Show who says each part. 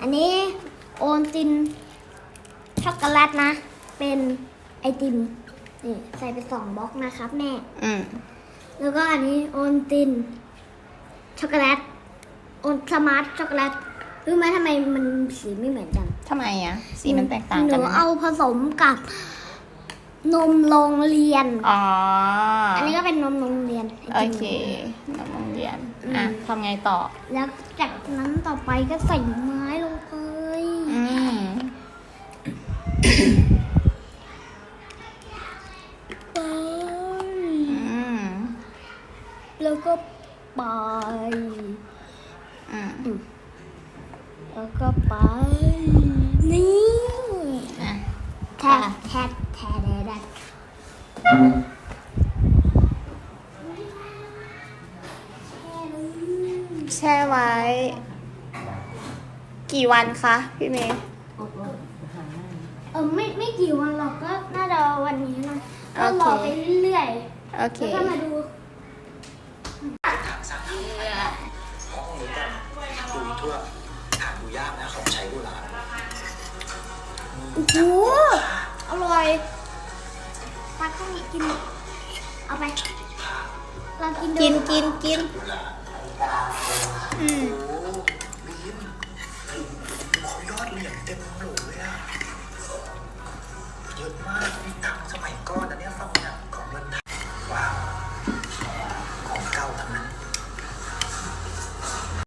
Speaker 1: อันนี้โอนตินช็อกโกแลตนะ เป็นไอติมนี่ใส่ไป2 บล็อกนะครับแม่แล้วก็อันนี้โอนตินช็อกโกแลตโอนสมาร์ทช็อกโกแลตรู้ไหมทำไมมันสีไม่เหมือนกัน
Speaker 2: ทำไมอ่ะสีมันแตกต่างกัน
Speaker 1: หนูเอาผสมกับนมโรงเรียนอันนี้ก็เป็นนมโรงเรียน
Speaker 2: โอเคนมโรงเรียนทำไงต่อ
Speaker 1: แล้วจากนั้นต่อไปก็ใส่ไม้ลงไปแล้วก็ไปแล้วก็ไปนี่แทะได้
Speaker 2: แช่ไว้ กี่วันคะพี่เมย์
Speaker 1: ไม่กี่วันหรอกก็น่าจะวันนี้นะก็รอไปเรื่อยๆแล้วก็มาดู
Speaker 3: ดูทั่วหาดูยากนะของใช้โบราณ
Speaker 1: โอ้โหอร่อยตักข้าวเหนียวกินเอาไปเรากินดู
Speaker 2: กิน
Speaker 3: โอ้บีมเขายอดเหรียญเต็มโหลเลยอะเยอะมากมีตังค์สมัยก่อนนะเนี่ยฟัง